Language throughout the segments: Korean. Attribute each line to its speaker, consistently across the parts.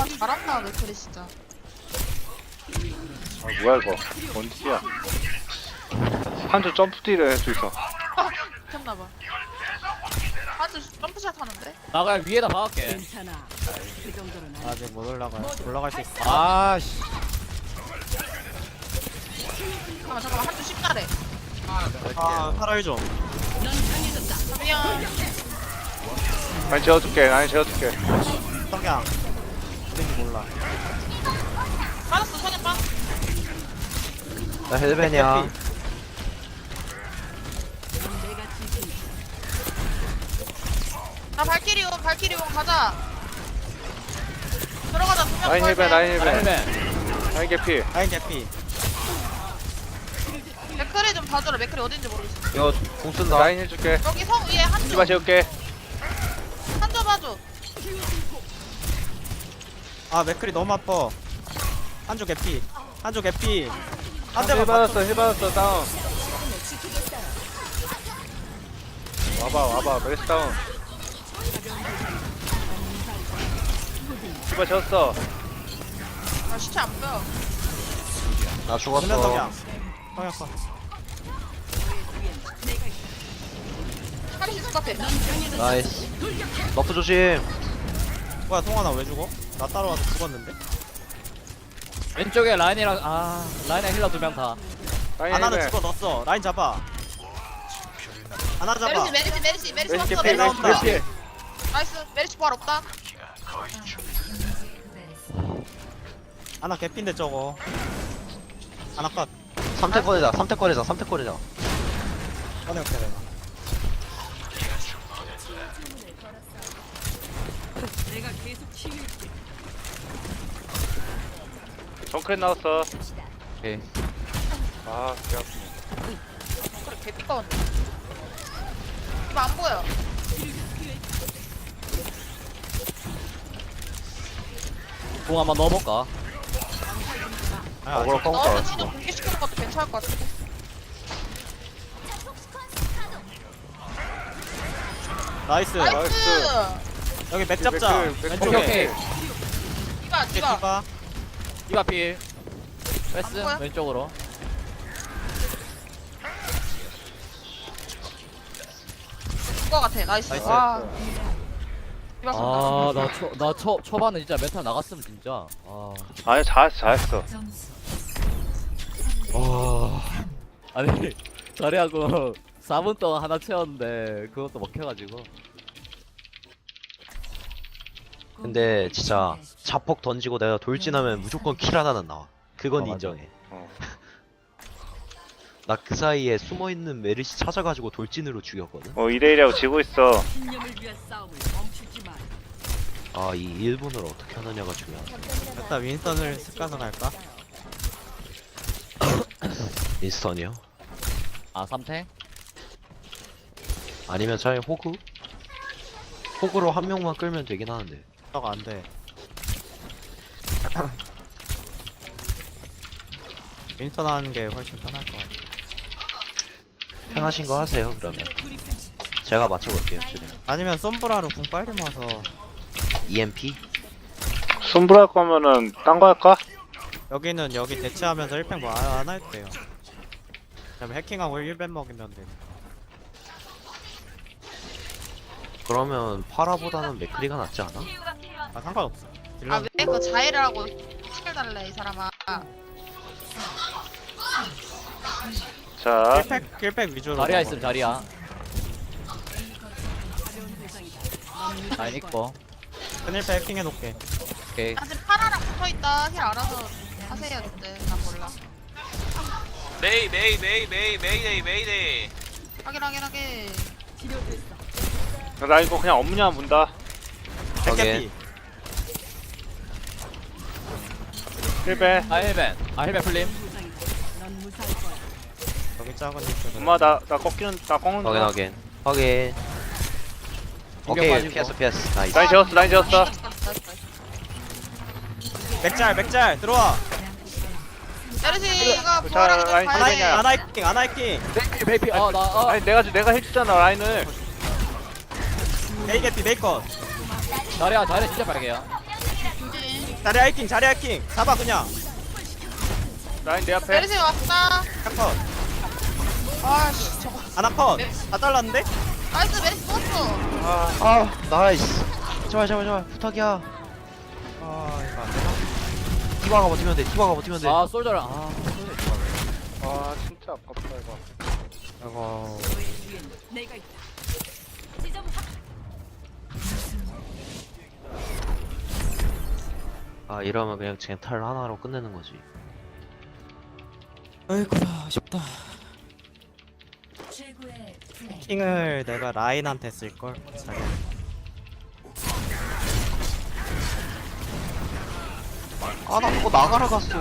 Speaker 1: 와 잘한다 맥크리 진짜.
Speaker 2: 아 뭐야 이거 뭔지야. 한줄 점프딜을 할 수 있어.
Speaker 1: 미쳤나봐. 한줄 점프샷 하는데?
Speaker 3: 나 그냥 위에다 박을게.
Speaker 4: 괜찮아. 그 정도는 아니야.
Speaker 5: 아직 못 올라가요. 올라갈 수 있어.
Speaker 3: 아씨.
Speaker 1: 잠깐만 한줄 쉽다래.
Speaker 5: 아, 팔아요 좀.
Speaker 1: 미안.
Speaker 2: 아니 재워줄게. 아니 재워줄게.
Speaker 5: 석양. 어딘지 몰라.
Speaker 1: 빠졌어 성현 빠.
Speaker 6: 나 헬벤이야.
Speaker 1: 나 발키리온 가자. 들어가자 두명
Speaker 2: 라인 힐벤 라인 힐벤.
Speaker 3: 헬멧.
Speaker 2: 라인 개피.
Speaker 5: 라인 개피.
Speaker 1: 맥크리 좀 봐줘라. 맥크리 어딘지 모르겠어.
Speaker 6: 이거 공 쓴다.
Speaker 2: 라인 해줄게.
Speaker 1: 여기 성 위에 한줄
Speaker 2: 이봐 재울게.
Speaker 1: 한줄 봐줘.
Speaker 5: 아, 맥클이 너무 아파. 한조 개피. 한조 개피. 한
Speaker 2: 힐
Speaker 5: 대만
Speaker 2: 받았어 힐 받았어 다운. 와봐 메리스 다운. 이봐 재웠어.
Speaker 1: 아 시체 안 보여.
Speaker 6: 나
Speaker 5: 맞으면
Speaker 6: 죽었어.
Speaker 5: 석양. 석양 컷.
Speaker 1: 카리시 똑같아.
Speaker 6: 나이스. 너프 조심.
Speaker 5: 뭐야, 통화나 왜 죽어? 나 따라와서 죽었는데?
Speaker 3: 왼쪽에 라인이랑 라인이랑 힐러 2명 다.
Speaker 2: 라인
Speaker 5: 하나는
Speaker 2: 힐벤.
Speaker 5: 죽어 넣었어. 라인 잡아. 하나 잡아.
Speaker 1: 메리시
Speaker 2: 메리스
Speaker 1: 없어.
Speaker 2: 개피
Speaker 1: 메리시
Speaker 2: 메리스
Speaker 1: 없어.
Speaker 2: 개피.
Speaker 1: 나이스. 메리시 부활 없다.
Speaker 5: 하나 개피인데 저거. 하나 컷.
Speaker 6: 3태 꺼내자. 3태 꺼내자. 3태 꺼내자.
Speaker 5: 꺼내올게 내가.
Speaker 4: 내가 계속 치유할게.
Speaker 2: 정크렛 나왔어.
Speaker 6: 오케이.
Speaker 2: 아 개 아프네.
Speaker 1: 그래 개삐까웠네. 이거 안 보여.
Speaker 3: 공 한번 넣어볼까?
Speaker 5: 아,
Speaker 6: 어그로
Speaker 1: 넣어서
Speaker 6: 뻥
Speaker 1: 진영 공개시키는 것도 괜찮을 것 같은데.
Speaker 5: 나이스.
Speaker 1: 나이스.
Speaker 5: 여기 맥 잡자.
Speaker 2: 맥클,
Speaker 5: 왼쪽에.
Speaker 3: 오케이.
Speaker 1: 이봐
Speaker 5: 이게
Speaker 1: 이봐.
Speaker 5: 디바.
Speaker 3: 이바 필. 패스
Speaker 1: 안 보여?
Speaker 3: 왼쪽으로.
Speaker 1: 그거 같아. 나이스.
Speaker 5: 나이스.
Speaker 1: 와. 이봐 쏜다.
Speaker 3: 나 초반에 진짜 메탈 나갔으면 진짜.
Speaker 2: 아니 잘했어.
Speaker 3: 아니 자리하고 4분 동안 하나 채웠는데 그것도 먹혀가지고.
Speaker 6: 근데 진짜 자폭 던지고 내가 돌진하면 무조건 킬 하나는 나와. 그건
Speaker 3: 맞아.
Speaker 6: 인정해.
Speaker 2: 어.
Speaker 6: 나 그 사이에 숨어있는 메르시 찾아가지고 돌진으로 죽였거든.
Speaker 2: 2대1이라고 지고 있어.
Speaker 4: 신념을 위한 싸움을 멈추지 마.
Speaker 6: 아, 이 1분을 어떻게 하느냐가 중요하다.
Speaker 5: 일단 윈선을 습가서 갈까?
Speaker 6: 인스턴이요?
Speaker 3: 3탱?
Speaker 6: 아니면 차라리 호그? 호그로 한 명만 끌면 되긴 하는데.
Speaker 5: 저거 안 돼. 윈선 하는 게 훨씬 편할 것 같아.
Speaker 6: 편하신 거 하세요, 그러면. 제가 맞춰볼게요, 지금.
Speaker 5: 아니면 솜브라로 궁 빨리 모아서
Speaker 6: EMP?
Speaker 2: 손불 할 거면은 딴 거 할까?
Speaker 5: 여기는 여기 대체하면서 1팩 뭐 안 할 때요. 그다음에 해킹하고 1벤 먹이면 돼.
Speaker 6: 그러면 파라보다는 맥크리가 낫지 않아?
Speaker 5: 아, 상관없어. 딜러
Speaker 1: 아왜 그거 자해를 하고 스킬 달래 이 사람아.
Speaker 2: 자
Speaker 5: 1팩 위주로.
Speaker 3: 자리야
Speaker 5: 먹어.
Speaker 3: 있음 자리야. 라인 있고.
Speaker 5: 큰 1팩 해킹해 놓게.
Speaker 3: 오케이.
Speaker 1: 나 지금 파라랑 붙어있다. 힐 알아서 하세요 근데 나 몰라.
Speaker 7: 메이데이.
Speaker 1: 확인.
Speaker 2: 나 이거 그냥 업무냐 문다.
Speaker 5: 핵개피.
Speaker 2: 힐벤.
Speaker 3: 헬벤. 헬벤 풀림.
Speaker 4: 넌 무사할 거야.
Speaker 5: 여기 작은 윈선.
Speaker 2: 엄마 나 꺾는 거.
Speaker 6: 확인. 오케이,
Speaker 3: 빠지고.
Speaker 6: 피했어. 나이스.
Speaker 2: 라인 재웠어.
Speaker 5: 맥잘 들어와.
Speaker 1: 메르시가
Speaker 2: 자,
Speaker 1: 부활하기 전에
Speaker 2: 라인
Speaker 1: 가야
Speaker 5: 아나이
Speaker 1: 돼.
Speaker 5: 아나이킹 아나이킹.
Speaker 3: 베이피.
Speaker 2: 아니 내가 해주잖아 라인을.
Speaker 5: 메이개피 메이컷.
Speaker 3: 자리야 진짜 빨개요.
Speaker 5: 자리 하이킹 자리 하이킹 잡아 그냥.
Speaker 2: 라인 내 앞에.
Speaker 1: 메르시 왔다.
Speaker 5: 컷.
Speaker 1: 아씨 저거.
Speaker 5: 하나 컷. 다 잘랐는데?
Speaker 1: 나이스 메르시 쏘았어.
Speaker 6: 아 나이스. 제발 부탁이야.
Speaker 5: 아 이거 안 되나?
Speaker 6: 디바가 버티면 돼. 디바가 버티면 돼.
Speaker 3: 아 솔저랑 아 솔저 좋아하네.
Speaker 2: 아 진짜 아깝다 이거.
Speaker 5: 이거
Speaker 4: 너의 뒤엔 내가 있다.
Speaker 6: 아 이러면 그냥 젠탈 하나로 끝내는 거지.
Speaker 5: 아이고야 아쉽다. 킹을 내가 라인한테 쓸걸. 자기.
Speaker 6: 아나 그거 나가라 갔어.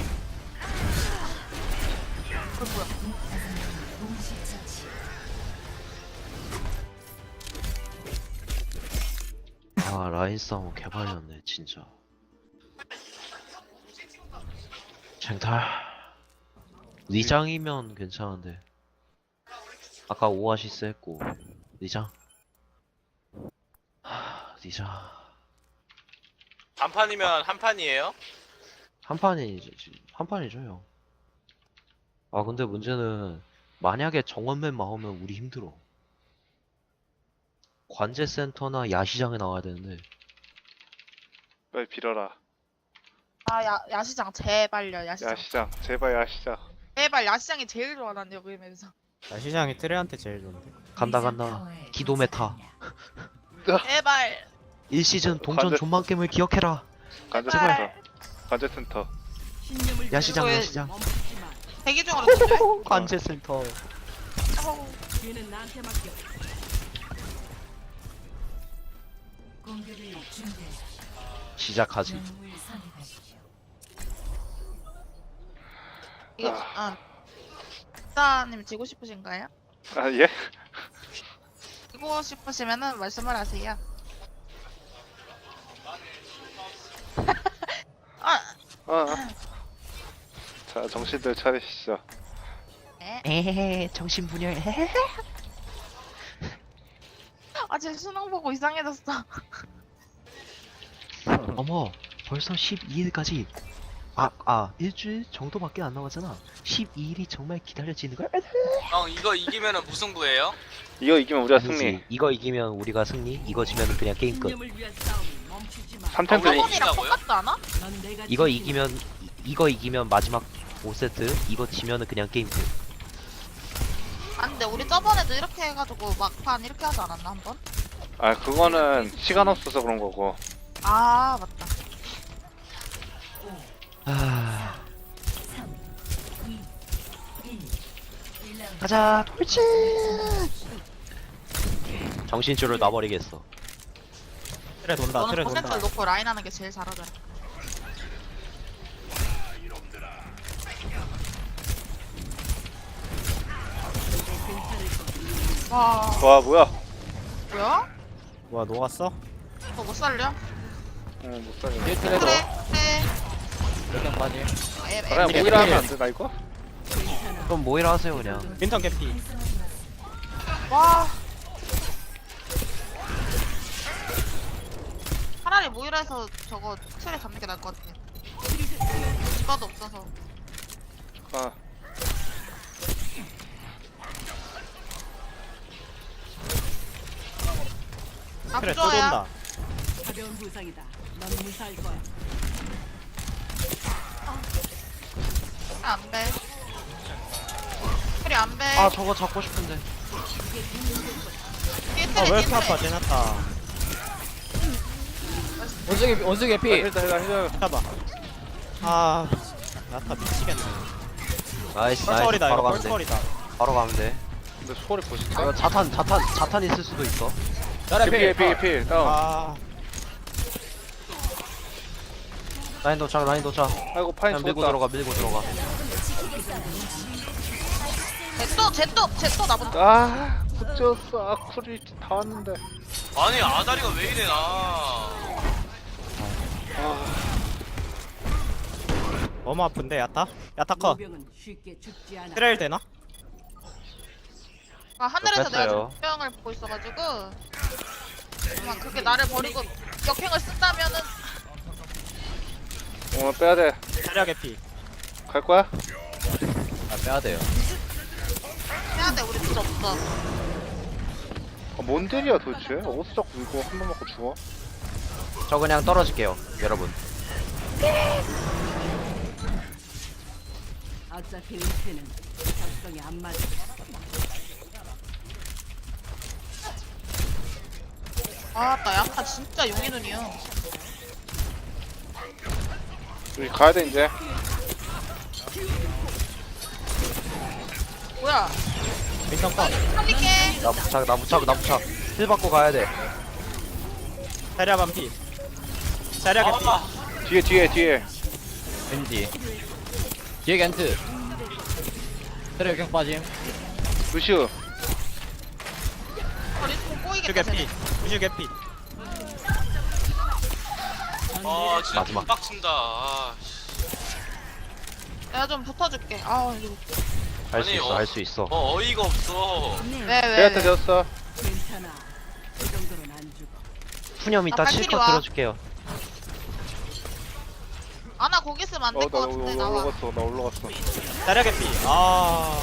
Speaker 6: 아 라인 싸움 개발렸네 진짜. 쟁탈 리장이면 괜찮은데 아까 오아시스 했고 리장 리장
Speaker 7: 한 판이면 한 판이에요?
Speaker 6: 한 판이죠 형. 아 근데 문제는 만약에 정원맨 나오면 우리 힘들어. 관제센터나 야시장에 나와야 되는데
Speaker 2: 빨리 빌어라.
Speaker 1: 아 야시장 제발요 야시장.
Speaker 2: 야시장 제발 야시장.
Speaker 1: 제발 야시장이 제일 좋아 난 여기 면서.
Speaker 5: 나 시장이 트레한테 제일 좋은데.
Speaker 6: 간다 기도 메타
Speaker 1: 제발.
Speaker 6: 1시즌 동전
Speaker 2: 관제-
Speaker 6: 존만 게임을 기억해라.
Speaker 2: 관제센터. 관제센터.
Speaker 4: 신념을
Speaker 6: 야시장
Speaker 1: 왜-
Speaker 6: 야시장
Speaker 4: 멈추지 마.
Speaker 1: 대기 중으로 준대.
Speaker 6: 관제센터.
Speaker 4: 뒤는 나한테 맡겨.
Speaker 6: 시작하지.
Speaker 1: 이거 사님 지고 싶으신가요?
Speaker 2: 아 예?
Speaker 1: 지고 싶으시면은 말씀을 하세요.
Speaker 2: 자 정신들 차리시죠.
Speaker 6: 에헤헤 정신분열. 헤헤.
Speaker 1: 제 수능 보고 이상해졌어.
Speaker 6: 어머 벌써 12일까지 일주일 정도밖에 안 남았잖아. 12일이 정말 기다려지는 거야.
Speaker 7: 형 이거 이기면은 무승부예요?
Speaker 2: 이거 이기면 우리가 승리.
Speaker 6: 아니지. 이거 이기면 우리가 승리, 이거 지면은 그냥 게임 끝.
Speaker 4: 신념을 위한 싸움을 멈추지 마.
Speaker 2: 3템
Speaker 7: 왜?
Speaker 2: 승리.
Speaker 1: 저번이랑
Speaker 7: 이기자고요?
Speaker 1: 똑같지 않아?
Speaker 4: 넌 내가
Speaker 6: 이거 이기면 마지막 5세트, 이거 지면은 그냥 게임 끝.
Speaker 1: 안돼 우리 저번에도 이렇게 해가지고 막판 이렇게 하지 않았나 한번?
Speaker 2: 아 그거는 시간 없어서 그런 거고.
Speaker 1: 아 맞다.
Speaker 6: 가자 돌진. 정신줄을 놔버리겠어.
Speaker 5: 트레 돈다
Speaker 1: 너는
Speaker 5: 트레
Speaker 1: 퍼센트를
Speaker 5: 돈다.
Speaker 1: 놓고 라인 하는 게 제일 잘하더라. 와
Speaker 2: 와 뭐야?
Speaker 1: 뭐야?
Speaker 5: 뭐야 녹았어?
Speaker 1: 너 못 살려?
Speaker 2: 못 살려.
Speaker 3: 뒤에 트레도
Speaker 1: 그래 그래.
Speaker 3: 몇명 빠지.
Speaker 2: 그냥 모이라 하면 안 되나 이거?
Speaker 6: 그럼 모이라 하세요 그냥.
Speaker 5: 윈턴 개피.
Speaker 1: 와. 차라리 모이라에서 저거 틀에 잡는 게 나을 것 같아. 디바도 없어서.
Speaker 2: 아
Speaker 5: 트레 또
Speaker 1: 앞줘야.
Speaker 5: 돈다.
Speaker 4: 가벼운 부상이다. 넌 무사할 거야.
Speaker 1: 안 돼. 틀이 안 돼.
Speaker 6: 아 저거 잡고 싶은데.
Speaker 1: 뒤에
Speaker 5: 아
Speaker 1: 틀에
Speaker 5: 왜
Speaker 1: 뒤에
Speaker 5: 이렇게 아파
Speaker 1: 틀에.
Speaker 5: 제나타.
Speaker 3: 원숭이
Speaker 2: 아,
Speaker 3: 피.
Speaker 2: 힐다.
Speaker 5: 잡아. 아 나타 미치겠네.
Speaker 6: 나이스
Speaker 5: 펄펄이다
Speaker 6: 바로
Speaker 5: 이거
Speaker 6: 가면 돼.
Speaker 5: 펄펄이다.
Speaker 6: 바로 가면 돼.
Speaker 2: 근데 소리 보실까?
Speaker 6: 이거 자탄 있을 수도 있어.
Speaker 3: 자리
Speaker 2: 필
Speaker 3: 피.
Speaker 2: 다운.
Speaker 5: 아
Speaker 6: 라인 도착
Speaker 2: 아이고 파인
Speaker 6: 그냥
Speaker 2: 죽었다.
Speaker 6: 밀고 들어가.
Speaker 1: 쟤또 나보다.
Speaker 2: 아 붙였어. 아쿠리 다 왔는데.
Speaker 7: 아니 아다리가 왜 이래 나.
Speaker 5: 너무 아픈데 야타? 야타 컷.
Speaker 4: 모병은 쉽게 죽지 않아.
Speaker 5: 트레일 되나?
Speaker 1: 하늘에서 내가
Speaker 6: 됐어요.
Speaker 1: 조명을 보고 있어가지고. 아마 그게 나를 버리고 역행을 쓴다면은
Speaker 2: 오늘 빼야돼.
Speaker 5: 자리야 개피.
Speaker 2: 갈 거야?
Speaker 3: 아 빼야 돼요.
Speaker 1: 해야 돼. 우리 딜 없어.
Speaker 2: 뭔 딜이야 도대체? 어디서 자꾸 이거 한 번 맞고 죽어?
Speaker 6: 저 그냥 떨어질게요 여러분.
Speaker 4: 어차피 은퇴는 적성에 안 맞아.
Speaker 1: 아, 나 약간 진짜 용의 눈이야.
Speaker 2: 우리 가야 돼 이제.
Speaker 1: 뭐야?
Speaker 5: 민턴 컷.
Speaker 1: 살릴게.
Speaker 6: 나 부착. 힐 받고 가야 돼.
Speaker 5: 자리야 반피. 자리야 개피.
Speaker 2: 뒤에.
Speaker 3: 겐지. 뒤에 겐트. 트레 경 빠짐.
Speaker 2: 루시우.
Speaker 1: 리스폰
Speaker 5: 슈
Speaker 1: 꼬이겠다.
Speaker 5: 개피.
Speaker 1: 쟤네.
Speaker 5: 슈 개피.
Speaker 7: 아 진짜
Speaker 6: 마지막.
Speaker 7: 빡친다. 아,
Speaker 1: 내가 좀 붙어줄게. 아, 이거.
Speaker 6: 할 수 있어.
Speaker 7: 어이가 없어.
Speaker 1: 왜?
Speaker 2: 제한테 되었어.
Speaker 4: 괜찮아. 그 정도는 안 죽어.
Speaker 6: 푸념 이따
Speaker 1: 발키리
Speaker 6: 실컷
Speaker 1: 와.
Speaker 6: 들어줄게요.
Speaker 1: 아나 거기 있으면 안 될 것
Speaker 2: 나
Speaker 1: 같은데 나와.
Speaker 2: 올라갔어.
Speaker 5: 자리야 개피. 아.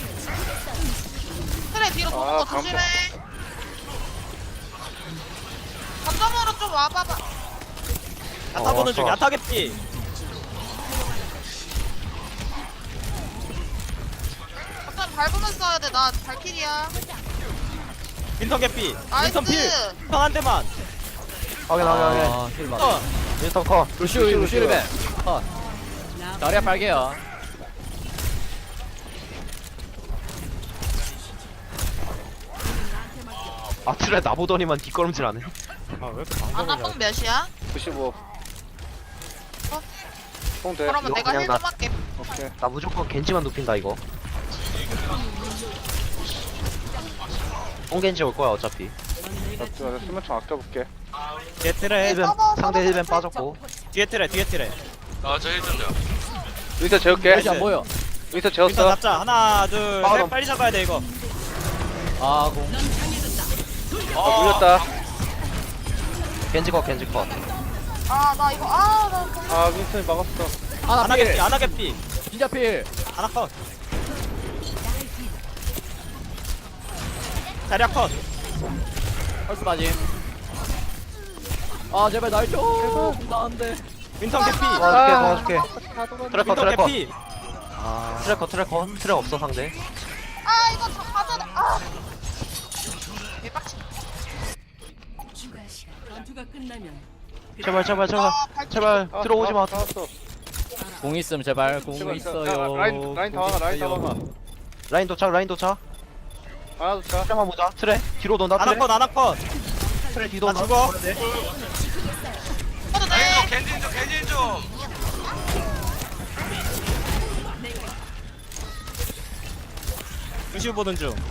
Speaker 1: 그래 뒤로 도는
Speaker 2: 아,
Speaker 1: 거 조심해. 거점으로 좀 와봐봐.
Speaker 5: 야타 보는 중.
Speaker 6: 좋아.
Speaker 5: 야타 개피.
Speaker 1: 거점 밟으면서 써야 돼. 나 발키리야.
Speaker 5: 민턴 개피.
Speaker 1: 나이스.
Speaker 5: 민턴 필. 민턴 한 대만.
Speaker 6: 확인.
Speaker 3: 아 힐만.
Speaker 6: 윈스턴 커.
Speaker 3: 루시우 힐벤. 자리야 빨개요.
Speaker 6: 아 트레 나보더니만 뒷걸음질하네.
Speaker 5: 아왜 이렇게
Speaker 1: 아나
Speaker 5: 방송을
Speaker 1: 뽕 몇이야?
Speaker 2: 95. 뽕 돼.
Speaker 1: 그러면
Speaker 6: 이거
Speaker 1: 내가
Speaker 6: 그냥
Speaker 1: 힐 좀 할게.
Speaker 2: 오케이.
Speaker 6: 나 무조건 겐지만 눕힌다 이거. 뽕겐지 올 거야 어차피.
Speaker 2: 나 수면총 아껴볼게.
Speaker 5: 뒤에 트레.
Speaker 6: 힐벤 상대 힐벤 빠졌고.
Speaker 5: 뒤에 트레.
Speaker 7: 아저 힐좀요.
Speaker 2: 여기서 재울게.
Speaker 3: 겐지 안 보여.
Speaker 2: 여기서
Speaker 5: 민턴
Speaker 2: 재웠어.
Speaker 5: 잡자. 하나 둘
Speaker 6: 아,
Speaker 5: 셋.
Speaker 6: 나-
Speaker 5: 빨리 잡아야 돼 이거.
Speaker 3: 아 공.
Speaker 2: 물렸다.
Speaker 6: 겐지 컷.
Speaker 1: 아 나 이거 나
Speaker 2: 윈스턴이 막았어.
Speaker 5: 하나
Speaker 3: 필.
Speaker 5: 개피. 하나 개피.
Speaker 3: 진짜 필.
Speaker 5: 하나 컷. 자리야 컷.
Speaker 3: 펄스 빠짐. 아 제발 날 줘. 나안돼.
Speaker 5: 민턴 개피.
Speaker 6: 도와줄게. 트레 컷.
Speaker 5: 민턴 개피.
Speaker 6: 트레 컷. 트레 없어 상대.
Speaker 1: 아 이거 다 가져라. 아. 개빡치.
Speaker 4: 전투가 끝나면
Speaker 6: 제발.
Speaker 1: 발키리.
Speaker 6: 제발 들어오지 마.
Speaker 2: 나왔어.
Speaker 3: 공 있음 제발. 공 있어요.
Speaker 2: 라인 다 막아.
Speaker 6: 라인 도착.
Speaker 2: 하나 더 차.
Speaker 6: 트레만 보자. 트레 뒤로 돈다.
Speaker 5: 하나 컷. 하나 컷.
Speaker 6: 트레 뒤로
Speaker 5: 나
Speaker 6: 돈다.
Speaker 5: 죽어.
Speaker 1: 해도 돼.
Speaker 7: 겐진 좀.
Speaker 5: 루시우 보는 중.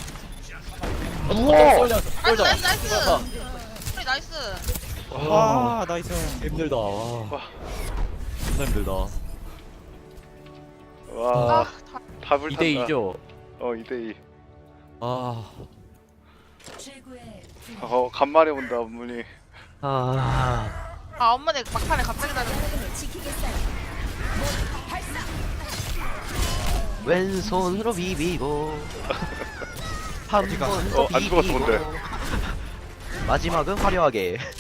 Speaker 6: 우와.
Speaker 1: 나이스. 우리 나이스.
Speaker 5: 와 나이스.
Speaker 3: 힘들다. 존나 힘들다.
Speaker 2: 와.
Speaker 1: 아, 다-
Speaker 2: 다 불탔다.
Speaker 3: 2대2죠.
Speaker 2: 2대2.
Speaker 3: 아
Speaker 2: 간만에 온다 문이.
Speaker 6: 아.
Speaker 1: 아 엄마네 막판에 갑자기 다른.
Speaker 6: 왼손으로 비비고 한 번 더
Speaker 2: 안 죽었어,
Speaker 6: 비비고
Speaker 2: 근데.
Speaker 6: 마지막은 화려하게